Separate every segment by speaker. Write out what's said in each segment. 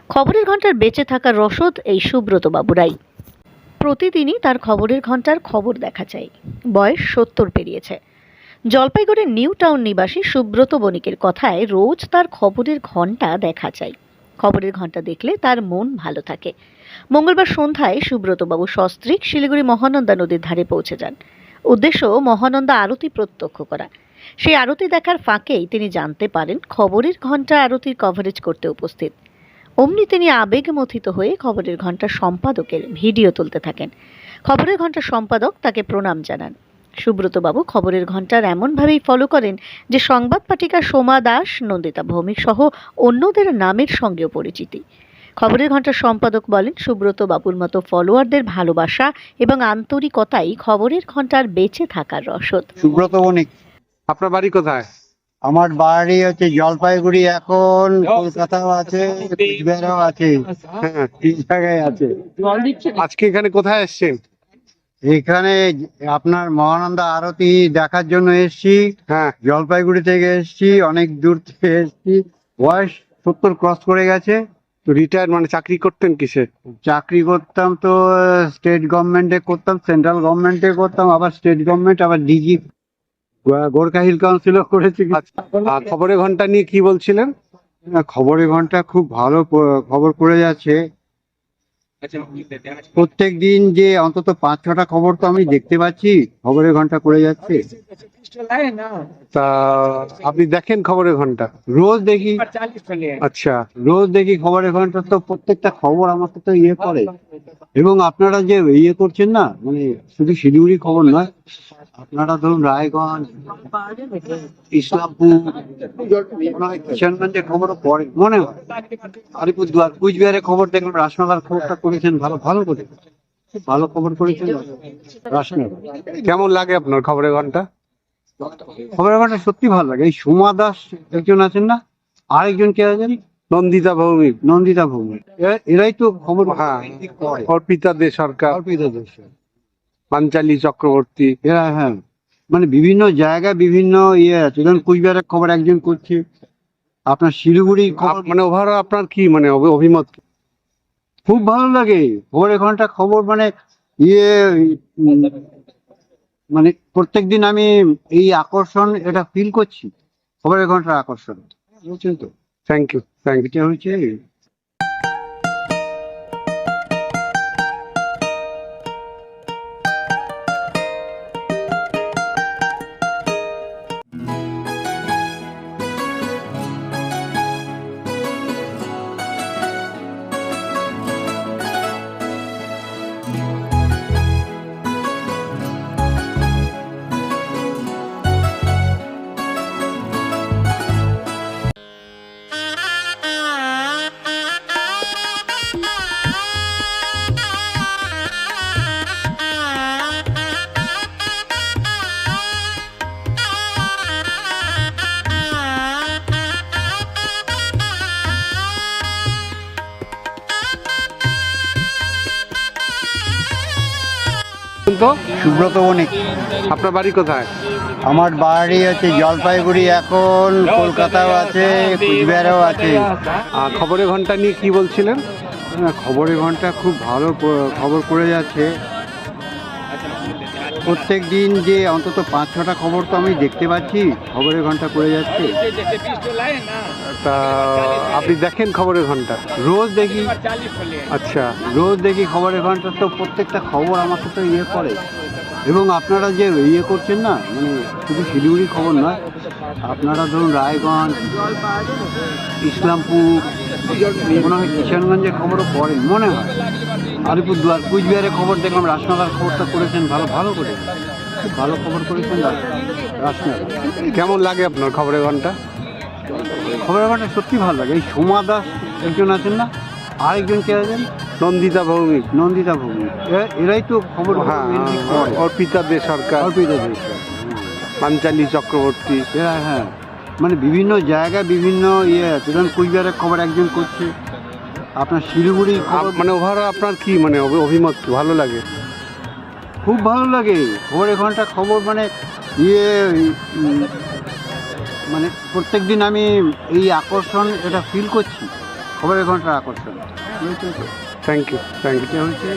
Speaker 1: খবরের ঘন্টার বেঁচে থাকার রসদ এই সুব্রত বাবুরাই। প্রতিদিনই তার খবরের ঘন্টার খবর দেখা চাই। বয়স 70 পেরিয়েছে। জলপাইগুড়ির নিউ টাউন নিবাসী সুব্রত বণিকের কথায় রোজ তার খবরের ঘন্টা দেখা চাই। খবরের ঘন্টা দেখলে তার মন ভালো থাকে। মঙ্গলবার সন্ধ্যায় সুব্রতবাবু সস্ত্রীক শিলিগুড়ি মহানন্দা নদীর ধারে পৌঁছে যান। উদ্দেশ্য মহানন্দা আরতি প্রত্যক্ষ করা। সেই আরতি দেখার ফাঁকেই তিনি জানতে পারেন খবরের ঘন্টা আরতির কভারেজ করতে উপস্থিত। অমনি তিনি আবেগমথিত হয়ে খবরের ঘন্টার সম্পাদকের ভিডিও তুলতে থাকেন। খবরের ঘন্টার সম্পাদক তাকে প্রণাম জানান। সুব্রতবাবু খবরের ঘন্টার এমনভাবেই ফলো করেন যে সংবাদ পাঠিকা সোমা দাস, নন্দিতা ভৌমিক সহ অন্যদের নামের সঙ্গেও পরিচিতি। খবরের ঘন্টার সম্পাদক বলেন, সুব্রত বাবুর মতো ফলোয়ারদের ভালোবাসা এবং আন্তরিকতাই খবরের ঘন্টার বেঁচে থাকার রসদ।
Speaker 2: সুব্রত বণিক।
Speaker 3: আপনার বাড়ি কোথায়?
Speaker 2: আমার বাড়ি হচ্ছে জলপাইগুড়ি, এখন কলকাতাও আছে, কুচবিহারেও আছে,
Speaker 3: হ্যাঁ,
Speaker 2: 3 জায়গায় আছে।
Speaker 3: আজকে এখানে কোথায় এসেছেন?
Speaker 2: এখানে আপনার মহানন্দা আরতি দেখার জন্য এসেছি।
Speaker 3: হ্যাঁ,
Speaker 2: জলপাইগুড়ি থেকে এসেছি, অনেক দূর থেকে এসেছি। বয়স 70 ক্রস করে গেছে।
Speaker 3: তো রিটায়ার মানে চাকরি করতেন কিসে?
Speaker 2: চাকরি করতাম তো স্টেট গভর্নমেন্টে করতাম, সেন্ট্রাল গভর্নমেন্টে করতাম, আবার স্টেট গভর্নমেন্ট, আবার ডিজি গোর্খা হিল কাউন্সিলও করেছি।
Speaker 3: আর খবরের ঘন্টা নিয়ে কি বলছিলেন?
Speaker 2: খবরের ঘন্টা খুব ভালো খবর করে যাচ্ছে। প্রত্যেক দিন যে অন্তত 5-6টা খবর তো আমি দেখতে পাচ্ছি, খবরের ঘন্টা করে যাচ্ছে।
Speaker 3: তা আপনি দেখেন খবরের ঘন্টা?
Speaker 2: রোজ দেখি।
Speaker 3: আচ্ছা,
Speaker 2: রোজ দেখি খবরের ঘন্টা, তো প্রত্যেকটা খবর আমাকে তো ইয়ে করে। এবং আপনারা যে ইয়ে করছেন না, মানে শুধু শিলিগুড়ি খবর নয়, আপনারা ধরুন রায়গঞ্জ, ইসলামপুর, কিষানগঞ্জের খবরও পড়ে মনে হয়। আলিপুরদুয়ার, কুচবিহারের খবর দেখলাম, রাসমেলার খবরটা করেছেন ভালো ভালো করে, খুব ভালো খবর করেছেন রাসমেলা।
Speaker 3: কেমন লাগে আপনার খবরের ঘন্টা?
Speaker 2: খবরের ঘন্টা সত্যি ভালো লাগে। এই সোমা দাস একজন আছেন না, আরেকজন কে আছেন,
Speaker 3: নন্দিতা ভৌমিক,
Speaker 2: নন্দিতা ভৌমিক, এরাই তো খবর
Speaker 3: হ্যাঁ,
Speaker 2: করে।
Speaker 3: অর্পিতা দে সরকার,
Speaker 2: অর্পিতা দেশ,
Speaker 3: পাঞ্চালী চক্রবর্তী।
Speaker 2: এরা হ্যাঁ, মানে বিভিন্ন জায়গায় বিভিন্ন ইয়ে আছে। যেমন কুচবিহারের খবর একজন করছে, আপনার শিলিগুড়ি খবর।
Speaker 3: মানে ওভারঅল আপনার কি মানে অভিমত কি?
Speaker 2: খুব ভালো লাগে খবরের ঘন্টা খবর, মানে ইয়ে মানে প্রত্যেকদিন আমি এই আকর্ষণ এটা ফিল করছি, খবরের ঘন্টার আকর্ষণ, বুঝছেন তো।
Speaker 3: Thank you, thank you.
Speaker 2: এটা হচ্ছে
Speaker 3: তো
Speaker 2: সুব্রত বণিক।
Speaker 3: আপনার বাড়ি কোথায়?
Speaker 2: আমার বাড়ি হচ্ছে জলপাইগুড়ি, এখন কলকাতাও আছে, কুচবিহারেও আছে।
Speaker 3: আর খবরের ঘন্টা নিয়ে কি বলছিলেন?
Speaker 2: খবরের ঘন্টা খুব ভালো খবর করে যাচ্ছে। প্রত্যেক দিন যে অন্তত 5-6টা খবর তো আমি দেখতে পাচ্ছি, খবরের ঘন্টা করে যাচ্ছে।
Speaker 3: তা আপনি দেখেন খবরের ঘন্টা?
Speaker 2: রোজ দেখি।
Speaker 3: আচ্ছা,
Speaker 2: রোজ দেখি খবরের ঘন্টা, তো প্রত্যেকটা খবর আমাকে তো ইয়ে করে। এবং আপনারা যে ইয়ে করছেন না, মানে শুধু শিলিগুড়ি খবর নয়, আপনারা ধরুন রায়গঞ্জ, ইসলামপুর, মনে হয় কিষানগঞ্জের খবরও পড়েন মনে হয়। আলিপুরদুয়ার, কুচবিহারের খবর দেখলাম, রাসমেলার খবরটা করেছেন ভালো ভালো করে, খুব ভালো খবর করেছেন রাসমেলা।
Speaker 3: কেমন লাগে আপনার খবরের ঘন্টা?
Speaker 2: খবরের ঘন্টা সত্যি ভালো লাগে। এই সোমা দাস একজন আছেন না, আরেকজন কে আছেন,
Speaker 3: নন্দিতা ভৌমিক,
Speaker 2: নন্দিতা ভৌমিক, এরাই তো খবর
Speaker 3: হ্যাঁ,
Speaker 2: করে।
Speaker 3: অর্পিতা দে সরকার,
Speaker 2: অর্পিতা দেশ,
Speaker 3: পাঞ্চালী চক্রবর্তী।
Speaker 2: এরা হ্যাঁ, মানে বিভিন্ন জায়গায় বিভিন্ন ইয়ে আছে। যেমন কুচবিহারের খবর একজন করছে, আপনার শিলিগুড়ি খবর।
Speaker 3: মানে ওভারঅল আপনার কি মানে অভিমত কি? ভালো লাগে?
Speaker 2: খুব ভালো লাগে খবরের ঘন্টা খবর, মানে ইয়ে মানে প্রত্যেক দিন আমি এই আকর্ষণ এটা ফিল করছি, খবরের ঘন্টার আকর্ষণ
Speaker 3: থ্যাংক ইউ
Speaker 2: এটা হচ্ছে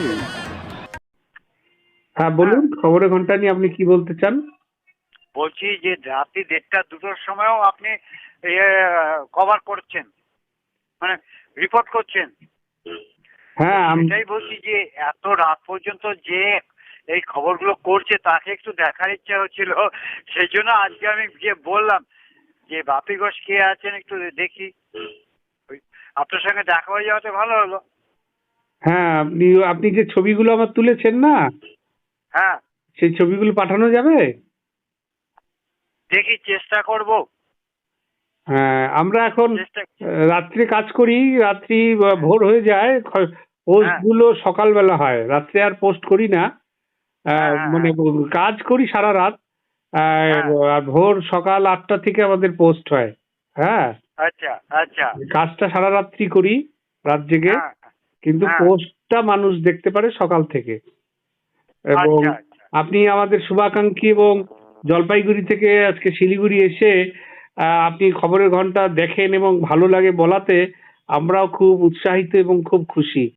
Speaker 3: হ্যাঁ বলুন, খবরের ঘন্টা নিয়ে আপনি কি বলতে চান?
Speaker 4: বলছি যে রাত্রি 1:30-2টোর সময়ও আপনি কভার করছেন, মানে রিপোর্ট করছেন।
Speaker 3: হ্যাঁ
Speaker 4: এটাই বলছি যে এত রাত পর্যন্ত যে এই খবরগুলো করছে তাকে একটু দেখার ইচ্ছা হচ্ছিল, সেই জন্য আজকে আমি গিয়ে বললাম যে বাপি ঘোষ কে আছেন একটু দেখি। আপনার সঙ্গে দেখা হয়ে যাওয়াতে ভালো হলো।
Speaker 3: হ্যাঁ আপনি আপনি যে ছবিগুলো আমার তুলেছেন না,
Speaker 4: হ্যাঁ,
Speaker 3: সেই ছবিগুলো পাঠানো যাবে?
Speaker 4: দেখি চেষ্টা করব।
Speaker 3: হ্যাঁ আমরা এখন
Speaker 4: চেষ্টা
Speaker 3: রাত্রে কাজ করি, রাত্রি ভোর হয়ে যায়, পোস্ট গুলো সকালবেলা হয়, রাত্রে আর পোস্ট করি না।
Speaker 4: হ্যাঁ,
Speaker 3: মানে কাজ করি সারা রাত,
Speaker 4: হ্যাঁ।
Speaker 3: আর ভোর সকাল 8টা থেকে আমাদের পোস্ট হয়। হ্যাঁ,
Speaker 4: আচ্ছা আচ্ছা।
Speaker 3: কাজটা সারা রাত্রি করি, রাত জেগে,
Speaker 4: হ্যাঁ,
Speaker 3: কিন্তু
Speaker 4: হ্যাঁ।
Speaker 3: পোস্টটা মানুষ দেখতে পারে সকাল থেকে। এবং
Speaker 4: আচ্ছা আচ্ছা।
Speaker 3: আপনি আমাদের শুভাকাঙ্ক্ষী, এবং জলপাইগুড়ি থেকে আজকে শিলিগুড়ি এসে আপনি খবরের ঘন্টা দেখেন এবং ভালো লাগে বলাতে আমরাও খুব উৎসাহিত এবং খুব খুশি।